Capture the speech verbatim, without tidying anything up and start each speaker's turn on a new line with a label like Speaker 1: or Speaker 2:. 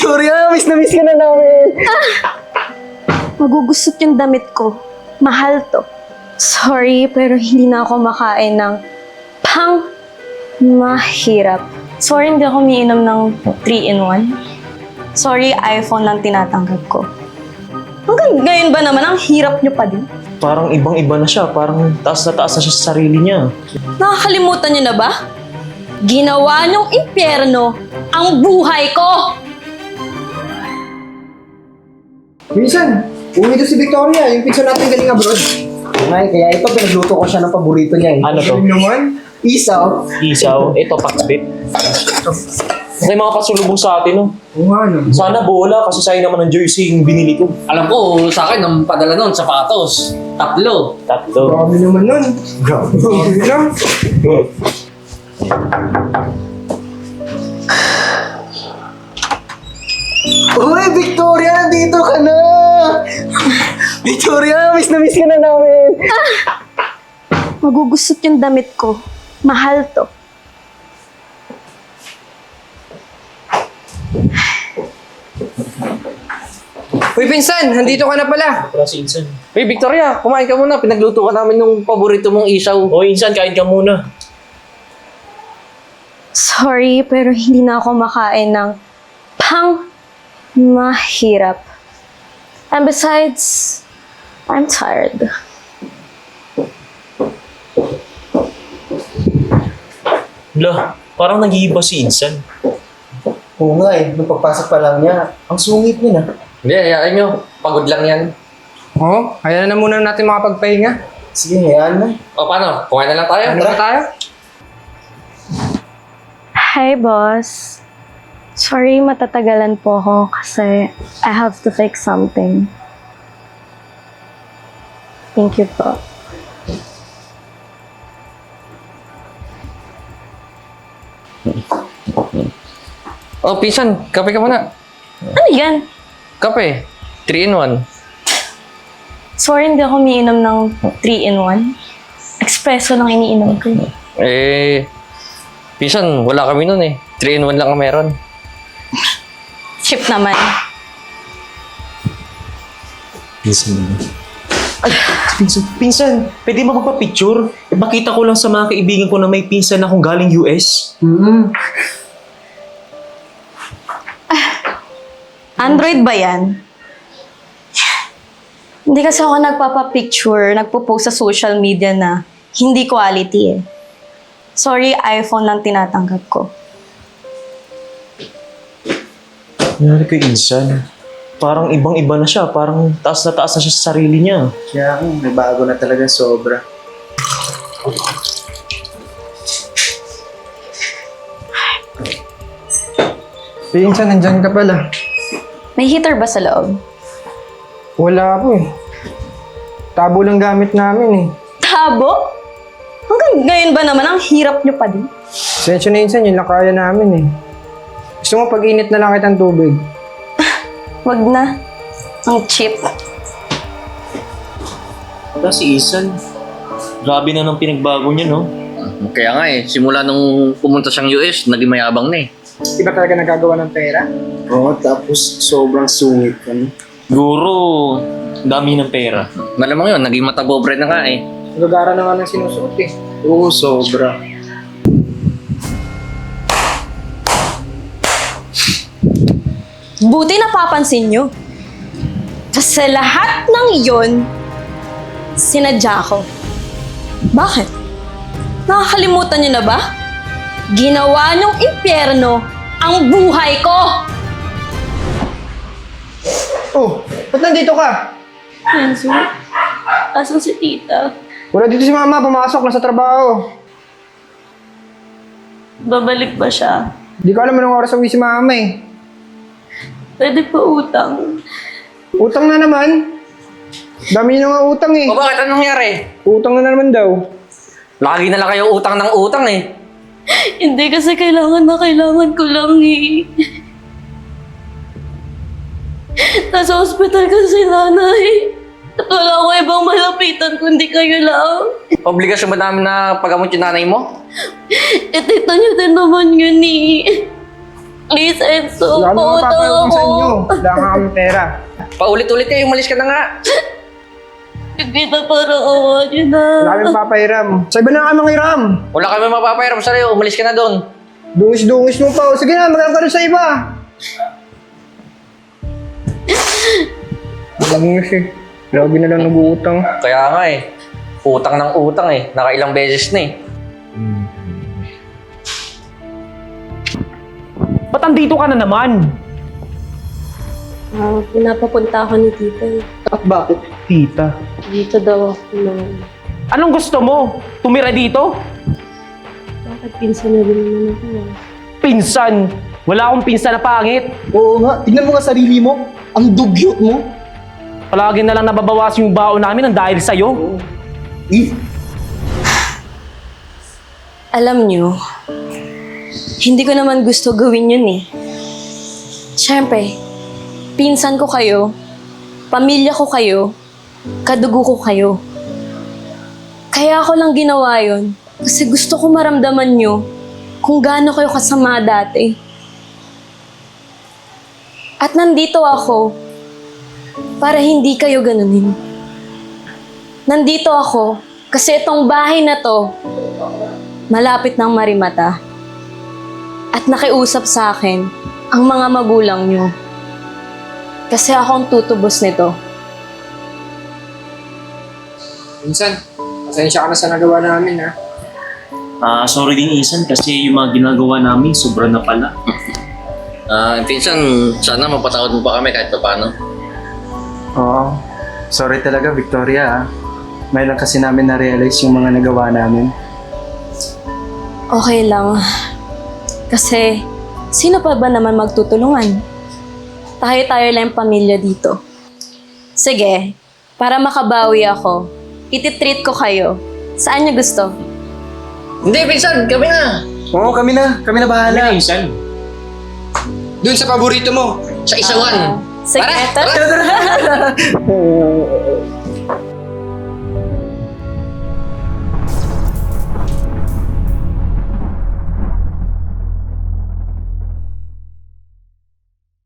Speaker 1: Victoria, miss na miss ka na namin.
Speaker 2: Magugusot yung damit ko. Mahal to. Sorry, pero hindi na ako makain ng pang mahirap. Sorry, hindi ako umiinom ng three in one. Sorry, iPhone lang tinatanggap ko. Hanggang ngayon ba naman, ang hirap nyo pa din?
Speaker 3: Parang ibang-iba na siya. Parang taas na taas na siya sa sarili niya.
Speaker 2: Nakakalimutan nyo na ba? Ginawa nyong impyerno ang buhay ko!
Speaker 1: Minsan, uwi to si Victoria, yung pinsan natin galing abroad. Ay, kaya ito, pinagluto ko siya ng paborito niya eh.
Speaker 3: Ano to?
Speaker 1: Yung naman, isaw.
Speaker 3: Isaw. Ito, paksbit. May mga pasulubong sa atin, no?
Speaker 1: Oo nga, no.
Speaker 3: Sana bola kasi sa'yo naman ng jersey yung binili ko.
Speaker 4: Alam ko, sa akin, ang padala nun, sapatos. Tatlo.
Speaker 3: Tatlo.
Speaker 1: Grabe naman nun. Grabe. Grabe na. Uy, Victoria, nandito ka na! Victoria, miss na miss ka na namin.
Speaker 2: Magugusot yung damit ko. Mahal to.
Speaker 1: Uy, pinsan, nandito ka na pala.
Speaker 3: Para si Insan.
Speaker 4: Hey, Victoria, kumain ka muna. Pinagluto ka namin ng paborito mong isaw.
Speaker 3: O, Insan, kain ka muna.
Speaker 2: Sorry, pero hindi na ako makain ng pang mahirap. And besides, I'm tired.
Speaker 3: Lah, parang nag-iiba si Insan.
Speaker 1: Oo nga eh, nung pagpasok pa lang niya, ang sungit niya na.
Speaker 4: Hindi, hayaan nyo. Pagod lang yan.
Speaker 1: Oo, kaya na muna natin makapagpahinga. Sige, hayaan na.
Speaker 4: O, paano? Kumain na lang tayo.
Speaker 1: Ano na tayo?
Speaker 2: Hi, boss. Sorry, matatagalan po ako kasi I have to fix something. Thank you po.
Speaker 4: Oh, pinsan, kape ka muna.
Speaker 2: Ano yan?
Speaker 4: Kape. three in one.
Speaker 2: Sorry, hindi ako umiinom ng three in one. Espresso lang iniinom ko.
Speaker 4: Eh, pinsan, wala kami nun eh. three in one lang ang meron.
Speaker 2: Chip naman.
Speaker 3: Pinsan naman. Ay, pinsan, pinsan, pwede mo magpa-picture? Eh, makita ko lang sa mga kaibigan ko na may pinsan akong galing U S.
Speaker 1: Mm-hmm.
Speaker 2: Android ba yan? Hindi kasi ako nagpapa-picture, nagpo-post sa social media na hindi quality eh. Sorry, iPhone lang tinatanggap ko.
Speaker 3: Nangyari kay Insan. Parang ibang-iba na siya. Parang taas na taas na siya sa sarili niya.
Speaker 1: Kaya ako, may bago na talaga sobra. Pinsan, nandyan ka pala.
Speaker 2: May heater ba sa loob?
Speaker 1: Wala po eh. Tabo lang gamit namin eh.
Speaker 2: Tabo? Hanggang ngayon ba naman, ang hirap nyo pa din?
Speaker 1: Sensyo na insan, yun lang kaya namin eh. Gusto mo pag-init na lang kitang tubig?
Speaker 2: Wag na. Ang cheap.
Speaker 3: Wala si Insan. Grabe na nang pinagbago niya, no?
Speaker 4: Kaya nga eh, simula nung pumunta siyang U S, naging mayabang na eh.
Speaker 1: Di ba talaga nagagawa ng pera? Oo, tapos sobrang sungit ka no?
Speaker 3: Siguro, dami ng pera.
Speaker 4: Malamang yun, naging matabobre na nga eh.
Speaker 1: Nagagara na nga ng sinusuot eh. Oo, sobra.
Speaker 2: Buti napapansin nyo. Kasi lahat ng iyon, sinadya ko. Bakit? Nakakalimutan nyo na ba? Ginawa nyong impyerno ang buhay ko!
Speaker 1: Oh, ba't nandito ka?
Speaker 2: Enzo, asan si tita?
Speaker 1: Wala dito si mama, pumasok na sa trabaho.
Speaker 2: Babalik ba siya?
Speaker 1: Di ko alam anong oras uwi si mama eh.
Speaker 2: Pwede pa utang.
Speaker 1: Utang na naman. Dami nyo nga utang eh.
Speaker 4: O bakit? Anong nangyari?
Speaker 1: Utang na naman daw.
Speaker 4: Lagi na lang kayo utang ng utang eh.
Speaker 2: Hindi kasi kailangan na kailangan ko lang eh. Nasa hospital kasi nanay. At wala ko ibang malapitan kundi kayo lang.
Speaker 4: Obligasyon ba namin na paggamot yung nanay mo?
Speaker 2: E tita niyo din naman yun eh. Please, Enzo.
Speaker 1: Wala kami
Speaker 2: Pautang
Speaker 1: mapapayag sa
Speaker 2: ako.
Speaker 1: inyo. Wala ka kami pera.
Speaker 4: Paulit-ulit kayo, umalis ka na nga.
Speaker 2: Hindi na para awa niyo na.
Speaker 1: Wala kami mapapahiram. Sa iba na kami mangiram.
Speaker 4: Wala kami mapapairam sa'yo, umalis ka na doon.
Speaker 1: Dungis-dungis mo pa. Sige na, magkakaroon ka rin sa iba. Dungis eh. Lagi na lang nag-uutang.
Speaker 4: Kaya nga eh, utang ng utang eh, nakailang beses na eh.
Speaker 3: Ba't andito ka na naman?
Speaker 2: Ah, pinapapunta ako ni tita eh.
Speaker 1: At bakit?
Speaker 3: Tita.
Speaker 2: Dito daw ako na...
Speaker 3: Anong gusto mo? Tumira dito?
Speaker 2: Bakit pinsan na rin naman ako ah?
Speaker 3: Pinsan! Wala akong pinsan na pangit.
Speaker 1: Oo nga. Tignan mo nga sarili mo. Ang dugyot mo.
Speaker 3: Palagi na lang nababawas yung baon namin ng dahil sa'yo.
Speaker 1: Eh,
Speaker 2: Alam niyo, hindi ko naman gusto gawin yun eh. Siyempre, pinsan ko kayo, pamilya ko kayo, kadugo ko kayo. Kaya ako lang ginawa yun kasi gusto ko maramdaman niyo kung gaano kayo kasama dati. At nandito ako para hindi kayo ganunin. Nandito ako kasi itong bahay na to malapit ng Marimata. At nakiusap sa akin ang mga magulang nyo. Kasi ako ang tutubos nito.
Speaker 1: minsan, pasensya ka na sa nagawa namin ha.
Speaker 3: Ah, sorry din Isan kasi yung mga ginagawa namin sobra na pala.
Speaker 4: Ah, pinsan, sana mapatawad mo pa kami kahit pa paano.
Speaker 5: Oo. Sorry talaga, Victoria. ah. May lang kasi namin na-realize yung mga nagawa namin.
Speaker 2: Okay lang. Kasi, sino pa ba naman magtutulungan? Tayo-tayo lang yung pamilya dito. Sige, para makabawi ako, ititreat ko kayo. Saan niyo gusto?
Speaker 4: Hindi, pinsan, kami na.
Speaker 5: Oo, kami na. Kami na bahala.
Speaker 3: Pinsan.
Speaker 1: Doon sa paborito mo.
Speaker 4: Sa isawan.
Speaker 2: Sige,
Speaker 4: Tara,
Speaker 2: tara.